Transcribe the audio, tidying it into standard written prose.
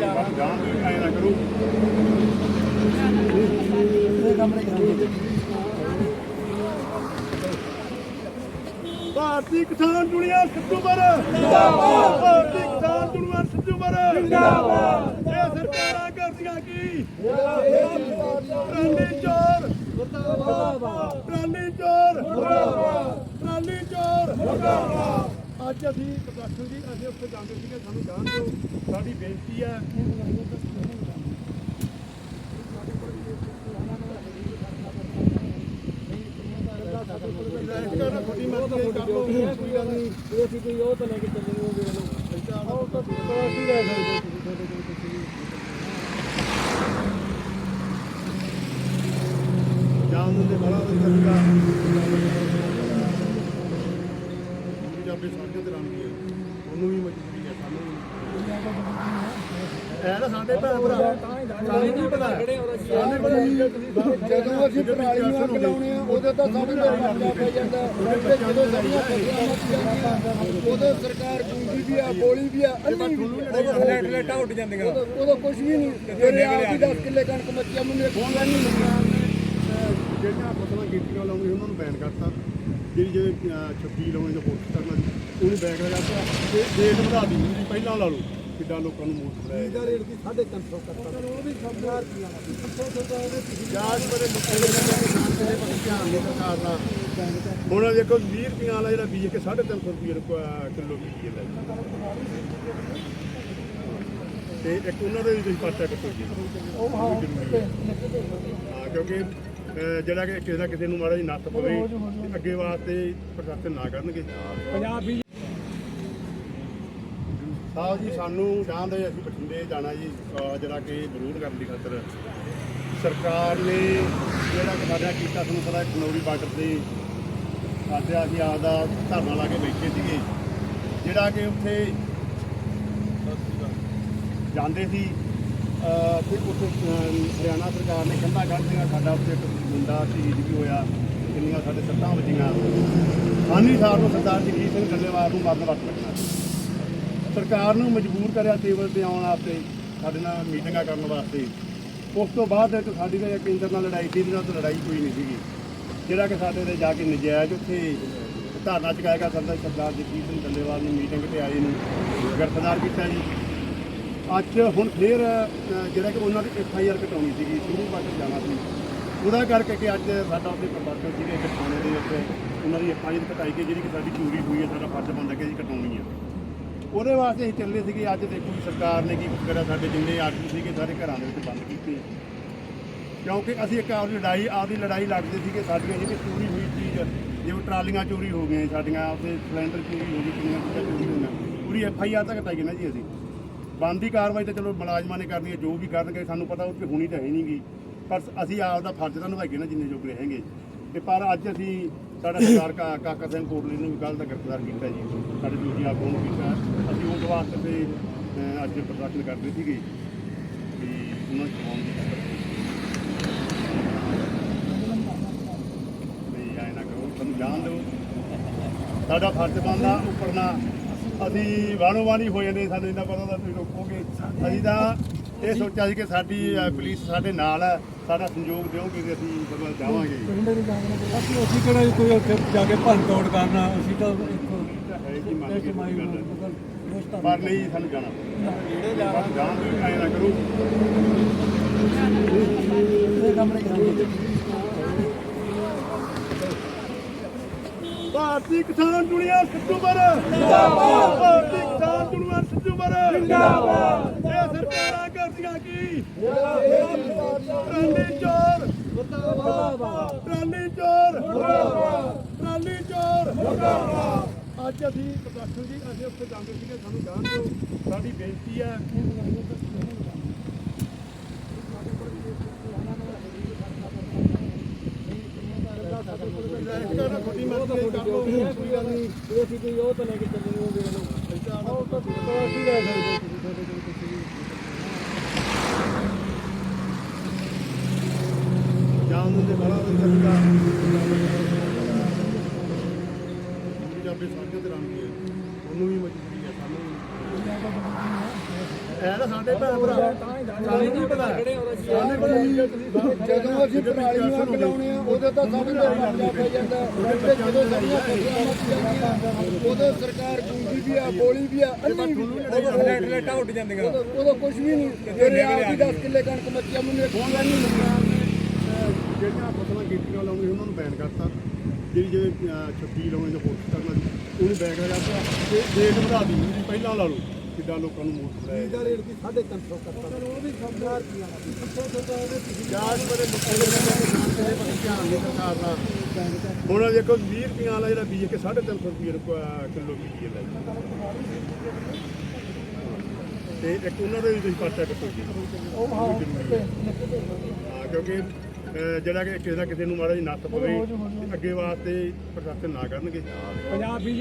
ਭਾਰਤੀ ਕਿਸਾਨ ਯੂਨੀਅਨ ਸਿੱਧੂਪੁਰ ਜਿੰਦਾਬਾਦ। ਭਾਰਤੀ ਕਿਸਾਨ ਯੂਨੀਅਨ ਸਿੱਧੂਪੁਰ ਜਿੰਦਾਬਾਦ। ਇਹ ਸਰਕਾਰਾਂ ਕਰਦੀਆਂ ਕੀ? ਟਰਾਲੀ ਚੋਰ ਮੁਰਦਾਬਾਦ। ਟਰਾਲੀ ਚੋਰ ਮੁਰਦਾਬਾਦ। ਟਰਾਲੀ ਚੋਰ ਮੁਰਦਾਬਾਦ। ਅੱਜ ਅਸੀਂ ਪ੍ਰਦਰਸ਼ਨ ਜੀ ਅਸੀਂ ਉੱਥੇ ਜਾਂਦੇ ਸੀਗੇ, ਸਾਨੂੰ ਜਾਣ ਦਿਓ। ਸਾਡੀ ਬੇਨਤੀ ਹੈ ਜਾਣ ਦੇ ਬੜਾ ਵਧੀਆ ਪੰਜਾਬੀ ਸਾਡੀਆਂ ਤੇ ਰਾਣੀ ਹੈ, ਉਹਨੂੰ ਵੀ ਮਜਬੂਰੀ ਹੈ ਸਾਨੂੰ ਹੈ ਨਾ। ਸਾਡੇ ਭੈਣ ਭਰਾ ਸਾਨੂੰ ਨਹੀਂ ਪਤਾ ਜਦੋਂ ਅਸੀਂ ਪਰਾਲੀ ਨੂੰ ਅੱਗ ਲਾਉਣੇ ਆ ਉਦੋਂ ਤਾਂ ਸਾਡੇ ਤੇ ਮਰਦਾ ਪੈ ਜਾਂਦਾ। ਜਦੋਂ ਸਾਡੀਆਂ ਉਦੋਂ ਸਰਕਾਰ ਗੂੰਗੀ ਵੀ ਆ, ਬੋਲੀ ਵੀ ਆ, ਅੰਨੀ ਵੀ ਲੈਟਾਂ ਉੱਡ ਜਾਂਦੀਆਂ। ਉਦੋਂ ਕੁਝ ਵੀ ਨਹੀਂ। ਜਿਹੜੇ ਆਪ ਹੀ 10 ਕਿੱਲੇ ਕਣਕ ਮੱਚੀਆਂ ਮੈਨੂੰ ਖੋਣਾ ਨਹੀਂ ਲੱਗਿਆ। ਜਿਹੜੀਆਂ ਫਸਲਾਂ ਕੀਤੀਆਂ ਲਾਉਣੀਆਂ ਉਹਨਾਂ ਨੂੰ ਬੈਨ ਕਰਤਾ। ਜਿਹੜੀ ਜਿਹੜੇ 26 ਲਾਉਣੇ ਜਾਂ ਪੋਸਟ ਕਰਨਾ ਉਹਨੂੰ ਬੈਨ ਕਰਤਾ ਤੇ ਰੇਟ ਵਧਾ ਦਿੱਤੀ। ਪਹਿਲਾਂ ਲਾ ਲਓ ਕਿੱਦਾਂ ਲੋਕਾਂ ਨੂੰ ਮੋਟ ਬਣਾਇਆ। ਇਹਦਾ ਰੇਟ ਦੀ 350 ਕਰਤਾ। ਉਹ ਵੀ 1000 ਰੁਪਇਆ ਜਾਜ ਬੜੇ ਲੋਕਾਂ ਦੇ ਧਿਆਨ ਨਹੀਂ ਸਰਕਾਰ ਦਾ। ਹੁਣ ਦੇਖੋ 20 ਰੁਪਈਆ ਵਾਲਾ ਜਿਹੜਾ ਬੀਜ ਕੇ 350 ਰੁਪਏ ਕਿਲੋ ਬੀਜ ਦਾ ਤੇ ਇੱਕ ਉਹਨਾਂ ਦੇ ਵੀ ਤੁਸੀਂ ਪਰਚਾ ਕੱਟੋ ਜੀ। ਹਾਂ ਕਿਉਂਕਿ ਜਿਹੜਾ ਕਿ ਕਿਸੇ ਨਾ ਕਿਸੇ ਨੂੰ ਮਾੜਾ ਜੀ ਨੱਥ ਪਵੇ ਅੱਗੇ ਵਾਸਤੇ ਪ੍ਰਸ਼ਾਸਨ ਨਾ ਕਰਨਗੇ। ਪੰਜਾਬੀ ਸਾਹਿਬ ਜੀ ਸਾਨੂੰ ਜਾਣਦੇ ਅਸੀਂ ਬਠਿੰਡੇ ਜਾਣਾ ਜੀ, ਜਿਹੜਾ ਕਿ ਵਿਰੋਧ ਕਰਨ ਦੀ ਖਾਤਰ ਸਰਕਾਰ ਨੇ ਜਿਹੜਾ ਕਿ ਸਾਡਾ ਕੀਤਾ ਤੁਹਾਨੂੰ ਪਤਾ ਖਨੌਰੀ ਬਾਰਡਰ ਤੇ ਸਾਡੇ ਅਸੀਂ ਆਪਦਾ ਧਰਨਾ ਲਾ ਕੇ ਬੈਠੇ ਸੀਗੇ। ਜਿਹੜਾ ਕਿ ਉੱਥੇ ਜਾਂਦੇ ਸੀ ਤੇ ਉੱਥੇ ਹਰਿਆਣਾ ਸਰਕਾਰ ਨੇ ਕੰਧਾਂ ਕੱਢਦੀਆਂ। ਸਾਡਾ ਉੱਥੇ ਇੱਕ ਮੁੰਡਾ ਸ਼ਹੀਦ ਵੀ ਹੋਇਆ, ਕਿੰਨੀਆਂ ਸਾਡੇ ਸੱਟਾਂ ਵੱਜੀਆਂ। ਸਾਨੀ ਸਾਹਿਬ ਨੂੰ ਸਰਦਾਰ ਜਗਜੀਤ ਸਿੰਘ ਡੱਲੇਵਾਲ ਨੂੰ ਮਰਨ ਵਕਤ ਰੱਖਣਾ ਸਰਕਾਰ ਨੂੰ ਮਜਬੂਰ ਕਰਿਆ ਟੇਬਲ ਤੇ ਆਉਣ ਵਾਸਤੇ, ਸਾਡੇ ਨਾਲ ਮੀਟਿੰਗਾਂ ਕਰਨ ਵਾਸਤੇ। ਉਸ ਤੋਂ ਬਾਅਦ ਇੱਕ ਸਾਡੀ ਤਾਂ ਕੇਂਦਰ ਨਾਲ ਲੜਾਈ ਸੀ, ਇਹਦੇ ਨਾਲ ਤਾਂ ਲੜਾਈ ਕੋਈ ਨਹੀਂ ਸੀਗੀ। ਜਿਹੜਾ ਕਿ ਸਾਡੇ ਤੇ ਜਾ ਕੇ ਨਜਾਇਜ਼ ਉੱਥੇ ਧਰਨਾ ਚੁਕਾਇਆ ਸਰਦਾਰ ਜਗਜੀਤ ਸਿੰਘ ਡੱਲੇਵਾਲ ਨੂੰ ਮੀਟਿੰਗ ਤੇ ਆਏ ਨੂੰ ਗ੍ਰਿਫਤਾਰ ਕੀਤਾ ਜੀ। ਅੱਜ ਹੁਣ ਫੇਰ ਜਿਹੜਾ ਕਿ ਉਹਨਾਂ ਦੀ FIR ਕਟਾਉਣੀ ਸੀਗੀ, ਸ਼ੁਰੂ ਬਾਅਦ ਜਾਣਾ ਸੀ, ਉਹਦਾ ਕਰਕੇ ਕਿ ਅੱਜ ਸਾਡਾ ਉੱਥੇ ਪ੍ਰਦਰਸ਼ਨ ਸੀਗੇ ਇੱਕ ਥਾਣੇ ਦੇ ਵਿੱਚ ਉਹਨਾਂ ਦੀ FIR ਕਟਾਈ ਗਈ, ਜਿਹੜੀ ਕਿ ਸਾਡੀ ਚੋਰੀ ਹੋਈ ਹੈ। ਸਾਡਾ ਫਰਜ਼ ਬਣਦਾ ਕਿ ਅਸੀਂ ਕਟਾਉਣੀ ਹੈ। ਉਹਦੇ ਵਾਸਤੇ ਅਸੀਂ ਚੱਲੇ ਸੀਗੇ। ਅੱਜ ਦੇਖੋ ਸਰਕਾਰ ਨੇ ਕੀ ਕਰਿਆ, ਸਾਡੇ ਜਿੰਨੇ ਆਗੂ ਸੀਗੇ ਸਾਰੇ ਘਰਾਂ ਦੇ ਵਿੱਚ ਬੰਦ ਕੀਤੇ। ਕਿਉਂਕਿ ਅਸੀਂ ਇੱਕ ਆਪਦੀ ਲੜਾਈ ਲੜਦੇ ਸੀਗੇ। ਸਾਡੀਆਂ ਜਿਹੜੀ ਚੋਰੀ ਹੋਈ ਚੀਜ਼, ਜਿਵੇਂ ਟਰਾਲੀਆਂ ਚੋਰੀ ਹੋ ਗਈਆਂ ਸਾਡੀਆਂ, ਉੱਥੇ ਸਿਲੰਡਰ ਚੋਰੀ ਹੋ ਗਈ, ਕਿੰਨੀਆਂ ਚੀਜ਼ਾਂ ਚੋਰੀ ਹੋਈਆਂ, ਪੂਰੀ FIR ਤਾਂ ਕਟਾਈ ਨਾ ਜੀ। ਅਸੀਂ ਬਣਦੀ ਕਾਰਵਾਈ ਤਾਂ ਚਲੋ ਮੁਲਾਜ਼ਮਾਂ ਨੇ ਕਰਨੀ ਹੈ, ਜੋ ਵੀ ਕਰਨਗੇ ਸਾਨੂੰ ਪਤਾ ਉੱਥੇ ਹੋਣੀ ਤਾਂ ਹੈ ਨਹੀਂ ਗੀ, ਪਰ ਅਸੀਂ ਆਪਦਾ ਫਰਜ਼ ਤਾਂ ਨਿਭਾਈਏ ਨਾ ਜਿੰਨੇ ਜੋਗੇ ਹੈਗੇ। ਤੇ ਪਰ ਅੱਜ ਅਸੀਂ ਸਾਡਾ ਸਰਦਾਰ ਕਾਕਾ ਸਿੰਘ ਕੋਟਲੀ ਨੂੰ ਵੀ ਕੱਲ੍ਹ ਦਾ ਗ੍ਰਿਫਤਾਰ ਕੀਤਾ ਜੀ, ਸਾਡੇ ਦੂਜੀ ਆਗੂ ਨੂੰ ਕੀਤਾ। ਅਸੀਂ ਉਸ ਵਾਸਤੇ ਤੇ ਅੱਜ ਪ੍ਰਦਰਸ਼ਨ ਕਰਦੇ ਸੀਗੇ ਵੀ ਉਹਨਾਂ ਨੂੰ ਚਲਾਉਣ ਦੀ ਵੀ ਐਂ ਨਾ ਕਰੋ, ਸਾਨੂੰ ਜਾਣ ਦਿਓ। ਸਾਡਾ ਫਰਜ਼ ਬਣਦਾ ਉੱਪਰ ਨਾ ਅਸੀਂ ਵਾਣੋ ਵਾਣੀ ਹੋ ਜਾਂਦੇ। ਸਾਨੂੰ ਇੰਨਾ ਪਤਾ ਤਾਂ ਤੁਸੀਂ ਰੋਕੋਗੇ। ਅਸੀਂ ਤਾਂ ਇਹ ਸੋਚਿਆ ਸੀ ਕਿ ਸਾਡੀ ਪੁਲਿਸ ਸਾਡੇ ਨਾਲ ਹੈ, ਸਾਡਾ ਸਹਿਯੋਗ ਦਿਓਗੇ ਕਿ ਅਸੀਂ ਸਮਾਂ ਜਾਵਾਂਗੇ। ਅਸੀਂ ਕਿਹੜਾ ਕੋਈ ਉੱਥੇ ਜਾ ਕੇ ਭੰਨ ਤੋੜ ਕਰਨਾ, ਅਸੀਂ ਤਾਂ ਪਰ ਨਹੀਂ ਸਾਨੂੰ ਜਾਣਾ ਜਾਣ ਦਿਓ, ਐਂ ਨਾ ਕਰੋ। ਭਾਰਤੀ ਕਿਸਾਨ ਯੂਨੀਅਨ ਸਿੱਧੂਪੁਰ ਜਿੰਦਾਬਾਦ। ਭਾਰਤੀ ਕਿਸਾਨ ਯੂਨੀਅਨ ਸਿੱਧੂਪੁਰ ਜਿੰਦਾਬਾਦ। ਇਹ ਸਰਕਾਰਾਂ ਕਰਦੀਆਂ ਕੀ? ਟਰਾਲੀ ਚੋਰ ਮੁਰਦਾਬਾਦ। ਟਰਾਲੀ ਚੋਰ ਮੁਰਦਾਬਾਦ। ਟਰਾਲੀ ਚੋਰ ਮੁਰਦਾਬਾਦ। ਅੱਜ ਅਸੀਂ ਪ੍ਰਦਰਸ਼ਨ ਜੀ ਅਸੀਂ ਉੱਥੇ ਜਾਂਦੇ ਸੀਗੇ, ਸਾਨੂੰ ਜਾਣ ਦਿਓ। ਸਾਡੀ ਬੇਨਤੀ ਹੈ ਛੋਟੀ ਮਰਜ਼ੀ ਕਰ ਲਓ, ਕੋਈ ਗੱਲ ਨਹੀਂ। ਅਸੀਂ ਕੋਈ ਉਹ ਤਾਂ ਲੈ ਕੇ ਚੱਲੇ ਉਹ ਵੇਖ ਲਓ। ਜਾਣ ਦੇ ਬੜਾ ਵਧੀਆ ਪੰਜਾਬੀ ਸਾਡੀਆਂ ਤੇ ਰਾਣੀ ਹੈ, ਉਹਨੂੰ ਵੀ ਮਜਬੂਰੀ ਹੈ ਸਾਨੂੰ ਐ ਨਾ ਸਾਡੇ ਭੈਣ ਭਰਾ ਸਾਨੂੰ ਨਹੀਂ ਪਤਾ ਸਾਨੂੰ ਜਦੋਂ ਅਸੀਂ ਪਰਾਲੀ ਨੂੰ ਅੱਗ ਲਾਉਣੇ ਆ ਉਦੋਂ ਤਾਂ ਸਭ ਦਾ ਮਰਜ਼ਾ ਪੈ ਜਾਂਦਾ ਤੇ ਜਦੋਂ ਸਾਡੀਆਂ ਫਸਲਾਂ ਮੱਚ ਜਾਂਦੀਆਂ ਉਦੋਂ ਸਰਕਾਰ ਗੂੰਗੀ ਵੀ ਆ ਬੋਲੀ ਵੀ ਆ ਅੰਨੀ ਵੀ ਲਾਈਟਾਂ ਉੱਡ ਜਾਂਦੀਆਂ ਉਦੋਂ ਕੁਝ ਵੀ ਨਹੀਂ ਜਿਹੜੇ ਆਪ ਦੀ 10 ਕਿੱਲੇ ਕਣਕ ਮੱਚਿਆ ਮੈਨੂੰ ਇੱਕ ਕਿੱਲਾ ਨਹੀਂ ਮਿਲਿਆ ਜਿਹੜੀਆਂ ਫਸਲਾਂ ਕੀਤੀਆਂ ਲਾਉਣੀਆਂ ਉਹਨਾਂ ਨੂੰ ਬੈਨ ਕਰਤਾ ਜਿਹੜੀ ਜਿਵੇਂ 36 ਲਾਉਣੀ ਜਾਂ ਕੋਸ਼ਿਸ਼ ਕਰਨਾ ਸੀ ਉਹਨੂੰ ਬੈਨ ਕਰਤਾ ਤੇ ਰੇਟ ਵਧਾ ਦੀ ਜੀ ਪਹਿਲਾਂ ਲਾ ਲਓ ਕਿੱਦਾਂ ਲੋਕਾਂ ਨੂੰ ਮੋਟ ਲਾਇਆ ਇਹਦਾ ਰੇਟ ਵੀ 350 ਕਰਤਾ ਉਹ ਵੀ ਸਮਝਦਾਰ ਕੀ ਆਣਾ ਯਾਦ ਬੜੇ ਲੋਕਾਂ ਦੇ ਧਿਆਨ ਨਹੀਂ ਸਰਕਾਰ ਦਾ ਹੁਣ ਦੇਖੋ 20 ਰੁਪਈਆ ਵਾਲਾ ਜਿਹੜਾ ਬੀਜ ਕੇ 350 ਰੁਪਏ ਕਿਲੋ ਬੀਜ ਲੈ ਤੇ ਇੱਕ ਉਹਨਾਂ ਦੇ ਵੀ ਤੁਸੀਂ ਪਰਚਾ ਕੱਟੋ ਜੀ ਉਹ ਹਾਂ ਕਿਉਂਕਿ ਜਿਹੜਾ ਕਿ ਕਿਸੇ ਨਾ ਕਿਸੇ ਨੂੰ ਮਾੜਾ ਜੀ ਨੱਥ ਪਵੇ ਅੱਗੇ ਵਾਸਤੇ ਪ੍ਰਸ਼ਾਸਨ ਨਾ ਕਰਨਗੇ ਪੰਜਾਬ